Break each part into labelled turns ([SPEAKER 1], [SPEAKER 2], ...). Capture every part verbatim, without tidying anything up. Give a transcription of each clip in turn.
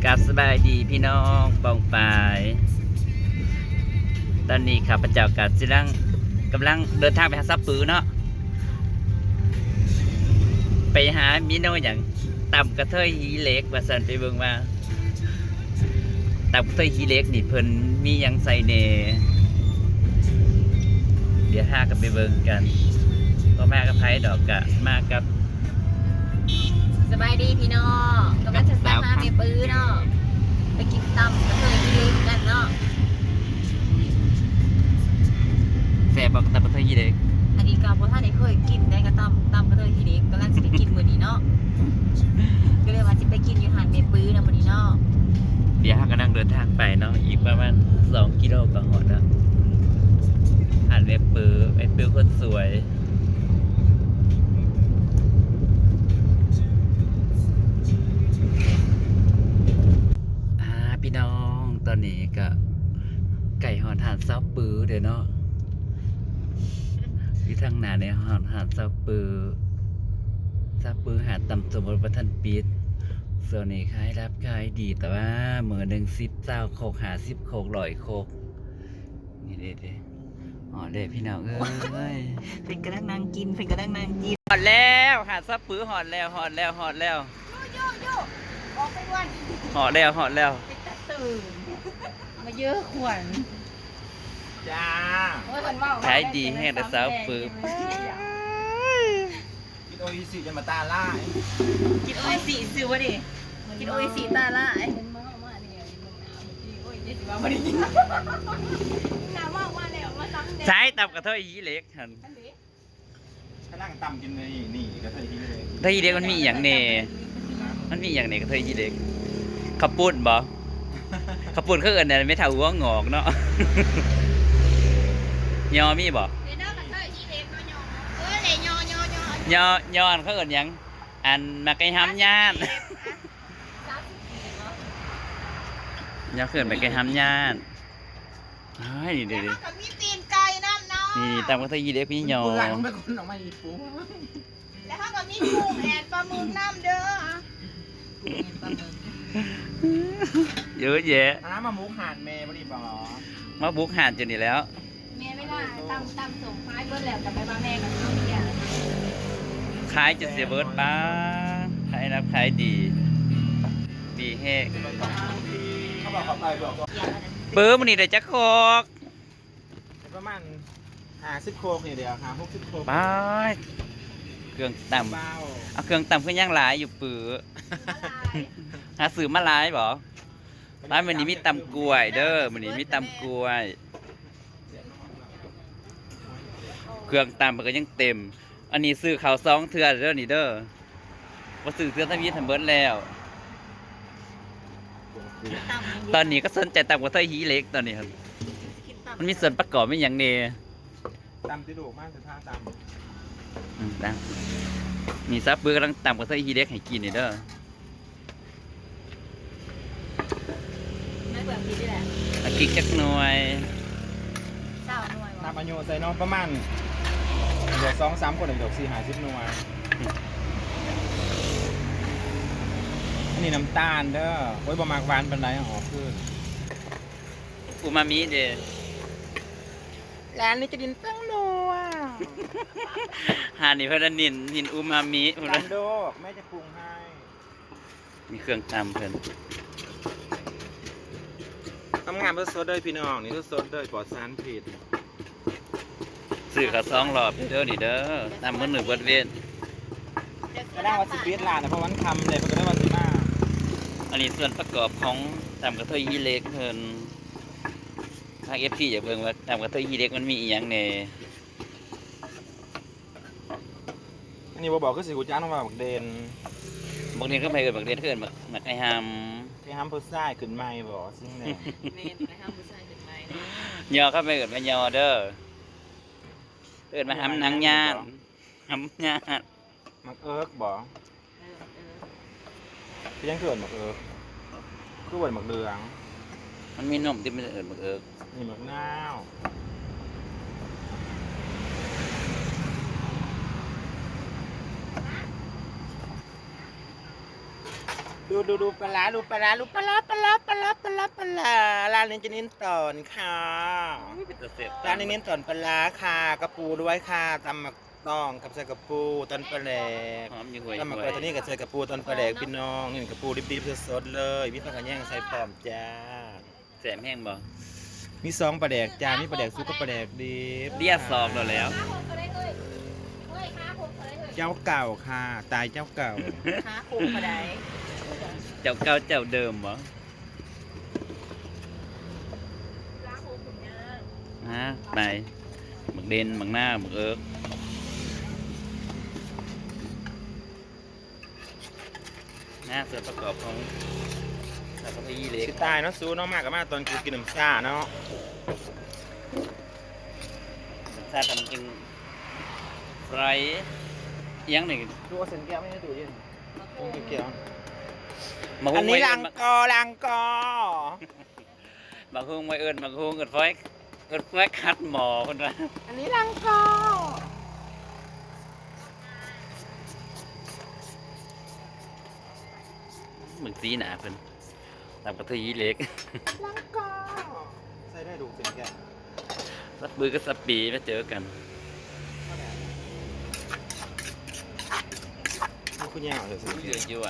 [SPEAKER 1] กับสบายดีพี่น้องปองปายตอนนี้ข้าพเจ้ากับจิรังกำลังเดินทางไปหาซับปือเนาะไปหามิโนอย่างต่ำกระเทยฮีเล็กว่าสันไปเบิ่งว่าต่ำกระเทยฮีเล็กนี่เพิ่นมียังใส่เนเดี๋ยวห้ากันไปเบิ่งกันก็มากับไพ่ดอกกะมากับ
[SPEAKER 2] สบายดีพี่น้องกำลังจะไปหาเมปื้อเนาะไปกินตำกระเทยที่เล็กกันเนาะ
[SPEAKER 1] แฟบอกต่ำกระเทยฮีเล็ก
[SPEAKER 2] อันนี้ก็เพราะท่านได้เคยกินได้กระตำตำกระเทยที่เล็กกำลังจะไปกินมื้อนี้เนาะก็เลยว่าจะไปกินอยู่หาดเมปื้อนะมื้อนี้เนาะ
[SPEAKER 1] เดี๋ยวห้าก็นั่งเดินทางไปเนาะอีกประมาณสองกิโลก็หอดแล้วหาดเมปื้อเมปื้อคนสวยพี่น้องตอนนี้ก็ไก่หอดหาดเซาปื้อเดี๋ยวเนาะที่ทางหน้าในหอดหาดเซาปื้อเซาปื้อหาดต่ำสมบูรณ์ประทันปิดส่วนนี้ขายรับขายดีแต่ว่าเมื่อหนึ่งสิบเจ้าโคกหาสิบโคกลอยโคกนี่เด็ดเด็ดอ๋อเด็ดพี่น้องเอ้ย
[SPEAKER 2] เป็นกระดังนางกินเป็นกระดังนางกิน
[SPEAKER 1] หอดแล้วหาดเซาปื้อหอดแล้วหอดแล้วหอดแล้ว
[SPEAKER 2] โยโย่ออกไปวัน
[SPEAKER 1] หอดแล้วหอดแล้ว
[SPEAKER 2] ตื่นมาเยอะขวัญ
[SPEAKER 3] จ้า
[SPEAKER 1] ขายดีแห้งแต่สาวปื้อ
[SPEAKER 3] กินโออิสิจะมาตาล่า
[SPEAKER 2] กินโออิสิซื้อวะดิกินโออิสิตาล่า
[SPEAKER 1] ใช้ตับกระเทยยีเล็กหัน
[SPEAKER 3] ถ้านั่งต่ำกินเลยนี่กระเทยยีเล็ก
[SPEAKER 1] กระเทยยีเล็กมันมีอย่างเน่มันมีอย่างเน่กระเทยยีเล็กขับปุ่นบ่ขับปุ่นเขาเอิญเนี่ยไม่เท่าหัวงอกเนาะยอมีบ่ยอยอเขาเอิญยังอันมาไก่ห้ำย่านยอเขินไปไก่ห้ำย่านนี่เดี๋ยวนี่ตามกระเทยยีเล็กพี่ยอ
[SPEAKER 3] แล้วเขา
[SPEAKER 2] ก็มีกุ้งแอนปลาหมึกน้ำเด้อ
[SPEAKER 1] เยอะแยะ
[SPEAKER 3] น้ำมามุกหาดเมย์บริบอ
[SPEAKER 1] มาบุกหาดจนนี่แล้ว
[SPEAKER 2] เมย์ไม่ได้ตำตำส่งท้ายเบิร์ดแล้วกับไปบ้านแม่กับเขาเนี่ย
[SPEAKER 1] ขายจะเสียเบิร์ดป้าขายรับขายดีดีแห้ง
[SPEAKER 3] เขาบอกเขาไปบอก
[SPEAKER 1] เปิ้ลมันนี่ได้จักโคก
[SPEAKER 3] ประมาณห้าสิบโคกเนี่ยเดียวหาหกสิบโคก
[SPEAKER 1] ป้าเครื่องต่ำเอาเครื่องต่ำขึ้นย่างหลายอยู่ปื้อหาซื้อมาหลายบ่ร้านมันนี้มีตำกล้วยเด้อมันนี้มีตำกล้วยเครื่องตำมันก็ยังเต็มอันนี้ซื้อข้าวซองเทือเด้อนี่เด้อว่าซื้อเทือทั้งนี้ทั้งเบิดแล้วตอนนี้ก็สนใจตำกระเทยฮีเล็กตอนนี้ครับมันมีส่วนประกอบไม่อย่างเน่
[SPEAKER 3] ตำติโดมากแต่ท่าตำ
[SPEAKER 1] อืมตำมีซับเบอร์กำลังตำกระเทยฮีเล็กให้กินนี่เด้อตะกิกจักหน่วย
[SPEAKER 3] น้ำอัญโยใส่น้องประมาณเดี๋ยวสองสามคนเดี๋ยวสี่หาสิบหน่วยอันนี้น้ำตาลเด้อโอ้ยประมาณหวานเป็นไรอ๋อคือ
[SPEAKER 1] อูมามิเด้
[SPEAKER 3] ร้านนี้จะดินตั้งนัว
[SPEAKER 1] หานี่เพื่อนนินนินอูมามิ
[SPEAKER 3] ร้านโดกแม่จะปรุงให้
[SPEAKER 1] มีเครื่องตำเพื่อน
[SPEAKER 3] ทำงานเพื่อสดเลยพี่น้องนี่ก็สดเลยปลอดสารพิษ
[SPEAKER 1] สื่อขาซองหลอดเด้อนี่เด้อตามมือหนึ่งเบิดเวน
[SPEAKER 3] ก็ได้ว่าสิบเอ็ดล้านนะเพราะวันคำเลยก็ได้ว่าสิบห้า
[SPEAKER 1] อันนี้ส่วนประกอบของตำกระเทยยีเล็กเพิ่นทางเอฟซีอย่าเบิ่งว่าตำกระเทยยีเล็กมันมีอีหยังแน่
[SPEAKER 3] อันนี้บ่บอกก็สิกูจ้างมาบักเด่น
[SPEAKER 1] บางทีก็ไปเอิญบักเด่นเอิญบักบักไอ้ฮัม
[SPEAKER 3] ไอ้ฮัมผู้ชายขึ้นไม่บ่ซึ่งแน่
[SPEAKER 2] เมนไอ้ฮัมผู้ชายขึ้นไม่
[SPEAKER 1] ยอเข้าไปเอิญมายอเด้อเอิญมาฮัมนังญาติฮัมญาติ
[SPEAKER 3] มักเอิร์กบ่พี่ยังเกิดมักเอิร์กคือวันมักเดือง
[SPEAKER 1] มันมีนมที่มันเอิญมักเอิร์ก
[SPEAKER 3] นี่มักนาวดูดูดูปลาร้าดูปลาร้าดูปลาร้าปลาร้าปลาร้าปลาร้าปลาร้าร้านนี้จะเน้นตอนค่ะ
[SPEAKER 1] เป็นตัวเสพ
[SPEAKER 3] ร้านนี้เน้นตอนปลาร้าค่ะกระปูด้วยค่ะตำหมักต้องกับใส่กระปูตอนปลาแหลก
[SPEAKER 1] หอมอยู่ห่วย
[SPEAKER 3] ตำหมักปลาตัวนี้กับใส่กระปูตอนปลาแหลกพี่น้องนี่กระปูดิบๆสดๆเลยมีผักกระแยงใส่พร้อมจ้า
[SPEAKER 1] แสมแห้งบ่
[SPEAKER 3] มีซองปลาแดกจ้ามีปลาแดกซุปกับปลาแดกดิบ
[SPEAKER 1] เรียกซอกเราแล้ว
[SPEAKER 3] เจ้าเก่าค่ะ ตายเจ้าเก่า
[SPEAKER 2] ค้าคุมเขาได้
[SPEAKER 1] เจ้าเก่าเจ้าเดิมบ่ฮะไปหมึกเด่นหมึกหน้าหมึกเอิร์กหน้าส่วนประกอบของสาปยี่เล็ก
[SPEAKER 3] สิตายเนาะซูเนาะมากกับมากตอนกูกินน้ำซ่าเนาะ
[SPEAKER 1] ชาทำจึงไรเอียังหนึ่ง
[SPEAKER 3] ดูเอาเส้นแก้วไม่ให้ดูเย็นมึงเกี่ยว
[SPEAKER 1] มา
[SPEAKER 3] อั
[SPEAKER 1] หุ้
[SPEAKER 3] น
[SPEAKER 1] ง
[SPEAKER 3] นี้
[SPEAKER 1] ไว้
[SPEAKER 3] ลังกอลังกอ
[SPEAKER 1] มาหุ้งไว้เอิญมาหุ้งเอิญไฟเอิญไฟคัดหมอคนละ
[SPEAKER 3] อันนี้ลังกอ
[SPEAKER 1] หมึกสีหนาเพิ่นตามกระทือยี่เล็ก
[SPEAKER 3] ลังกอใส่ได้ดูเส้นแก้ว
[SPEAKER 1] สับบือกับสับปีมาเจอกัน
[SPEAKER 3] นี่คุณยาวเลยสิ
[SPEAKER 1] เยอะอยู่อ่ะ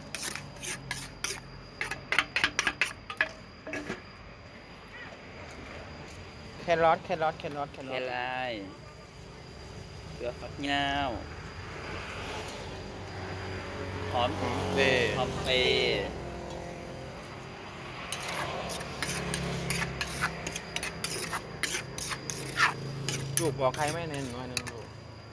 [SPEAKER 3] แครอทแครอทแครอทแคร
[SPEAKER 1] แค่
[SPEAKER 3] อท
[SPEAKER 1] ไรเกลือฟักยาวหอม
[SPEAKER 3] เว้
[SPEAKER 1] หอมเปรย์
[SPEAKER 3] ลูกบอกใครไม่เน้นว่านั่นลูก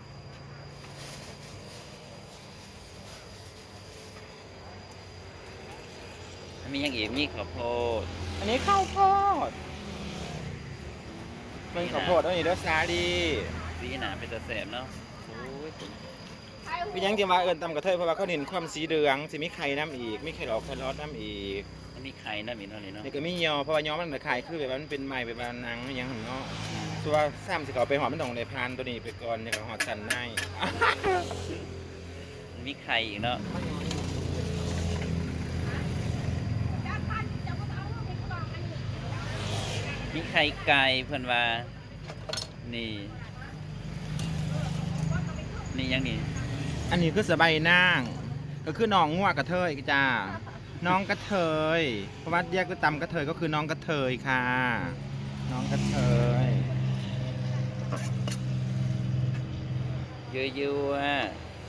[SPEAKER 1] มีอย่างอีกมีข้าวโพด
[SPEAKER 3] อันนี้ข้าวโพดเป็นข้าวโพดอันนี้เด้อซาดี
[SPEAKER 1] สีหนาเป็นตะแสบเนาะโอ้ย
[SPEAKER 3] พี่ยังจะมาเอิญตำกระเทยเพราะว่าเขาเน้นความสีเหลืองสิมีไข่น้ำอีกมีไข่ดอกแครอทน้ำอีก
[SPEAKER 1] มันมีไข่นะมีเนาะนี่เนาะ
[SPEAKER 3] นี่ก็มียอเพราะว่ายอมันเหมือนไข่คือแบบว่ามันเป็นไม้แบบว่าหนังอหยังหันเนาะตัวซ้ำสิเขาไปหอมมันต้องในพานตัวนี้ไปก่อนเนี่ยก็หอดสันใน
[SPEAKER 1] มันมีไข่อีกเนาะมีไข่ไก่เพื่อนว่านี่ นี่ยังนี่
[SPEAKER 3] อันนี้คือสบายนางก็คือน้องงัวกระเทยจ้าน้องกระเทยเพราะว่าแยกด้วยตำกระเทยก็คือน้องกระเทยค่ะ น้องกระเทย
[SPEAKER 1] เยอะๆอ่ะ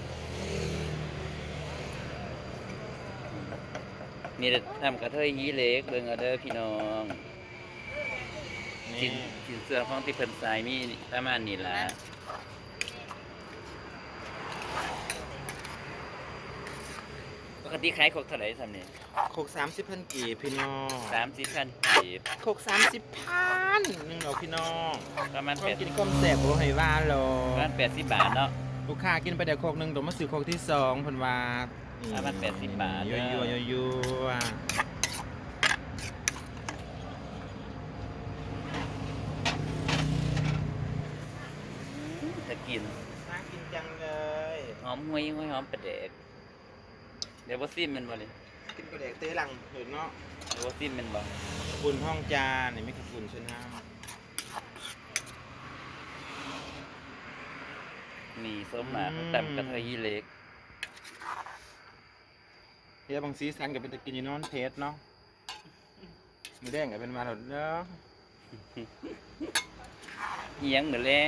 [SPEAKER 1] นี่ทำกระเทยยีเล็กเบิ่งเอาเด้อพี่น้องสิ
[SPEAKER 3] นี่
[SPEAKER 1] นสินเสื้อของที่เพิ่นใส่มีประมาณนี้ล่ะปกติขายครกเท่าไหร่ซ้ำนี่
[SPEAKER 3] โคกสามสิบพันกีบพี่น้อง
[SPEAKER 1] สามสิบพันกีบ
[SPEAKER 3] โคกสามสิบพันหนึ่งเราพี่น้อง
[SPEAKER 1] ประมาณ
[SPEAKER 3] ค
[SPEAKER 1] แป
[SPEAKER 3] น
[SPEAKER 1] ด
[SPEAKER 3] กินก้มแสบโอ้ยว่าโล
[SPEAKER 1] ประมาณแปดสิบบาทเนาะ
[SPEAKER 3] ลูกค้ากินไปเดี๋ยวโคกหนึ่งตัวมาซื้อโคกที่สองเพันว่า
[SPEAKER 1] ประมาณแปดสิบบาท
[SPEAKER 3] ยั่วยั่วยั่วยั่ว
[SPEAKER 1] จะกิน
[SPEAKER 3] น่ากินจังเลย
[SPEAKER 1] หอมห้วยห้วยหอมปลาแดกเดี๋ยวว่าซิมแมันบ่เลย
[SPEAKER 3] กินกระเดกเต้หลังเห็นเนาะ
[SPEAKER 1] เดี๋ยวว่าซิมแมันบ่
[SPEAKER 3] บุญห้องจานนี่ไม่ขอบคุณชนะ
[SPEAKER 1] นี่ส้มหมาเขาตำกระเทยยีเล็ก
[SPEAKER 3] เฮียบางซีซันกับเป็นตะกินอยูนอนเพชรเนาะมือแดงกับเป็นมาหลดเนาะ
[SPEAKER 1] เอียงเหมือนแรง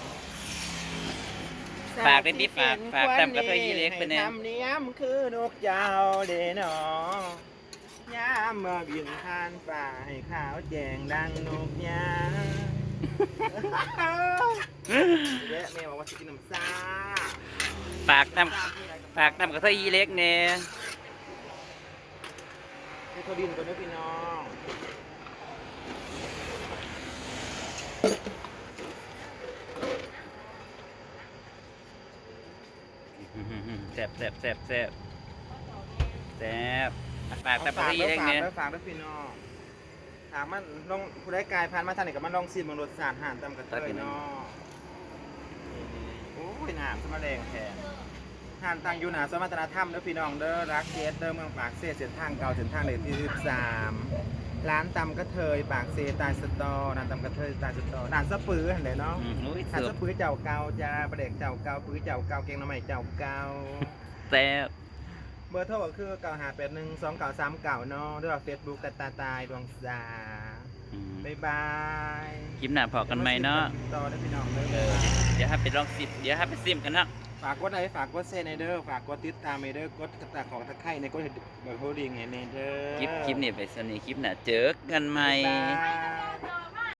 [SPEAKER 1] ฝากด้วยดิฝากฝากตำกระเทยยีเล็กไปแน่
[SPEAKER 3] ให้ทำเนียมคือนกเจ้าเดนอยามมาบินผ่านป่าให้ขาวแจงดังนกยาเดี๋ยวแม่บอกว่าจะกินน้ำซ่า
[SPEAKER 1] ฝากตำฝากตำกระเทยยีเล็กเนี่ย
[SPEAKER 3] ให้เขาดินก่อนนะพี่น้อง
[SPEAKER 1] แซ่บแซ่บแซ่บแซ่บแซ่บฝากตำกระ
[SPEAKER 3] ฝาก
[SPEAKER 1] เทยยี
[SPEAKER 3] ด้วย
[SPEAKER 1] เล็ก
[SPEAKER 3] ฝาก
[SPEAKER 1] เนี่ย
[SPEAKER 3] ด้วยฝากด้วยพี่น้องถามมันลองผู้ได้กายผ่านมาทางไหนกับมันลองซีมบางรสชาติห่านตำกระเทยเนาะโอ้ยน้ำสมาแรงแทนทานตังอยู่หนาสมรรถนธรรมเด้อพี่น้องเด้อรักเกสเด้อเมืองปากเซ่เส้นทางเก่าเส้นทางเลขที่สิบสามร้านตำกระเทยปากเซตายสตอร้านตำกระเทยตายสตอร้านสะปือเห็นไหมเนาะ
[SPEAKER 1] อืมอุ้ย
[SPEAKER 3] ร้าน
[SPEAKER 1] เสือ
[SPEAKER 3] สะปือเจ้าเก่าจ้าประเด็กเจ้าเก่าปือเจ้าเก่าเก่งน้ำใหม่เจ้าเก่า
[SPEAKER 1] แซ่บ
[SPEAKER 3] เบอร์โทรก็คือเก้าห้าแปดหนึ่งสองเก้าสามเก้าเนาะด้วยเฟซบุ๊กตาตาตายดวงสา
[SPEAKER 1] อืม
[SPEAKER 3] บ๊ายบาย
[SPEAKER 1] คลิปหน้าพอกันไหมเนาะ
[SPEAKER 3] ต่อได้พี่น้องเด้
[SPEAKER 1] เอ
[SPEAKER 3] อ
[SPEAKER 1] อเดี๋ยวให้ไปลองซิมเดี๋ยวให้ไปซิมกันเนาะ
[SPEAKER 3] ฝากกดไลค์ฝากกดแชร์ในเด้อฝากกดติดตามในเด้อกดกระตาของตะไคร้ในกดเบอร์โฮลดิ้งในเด้อ
[SPEAKER 1] คลิปคลิปนี้ไปสนีคลิปหน้าเจอกันใหม่
[SPEAKER 3] บ๊ายบาย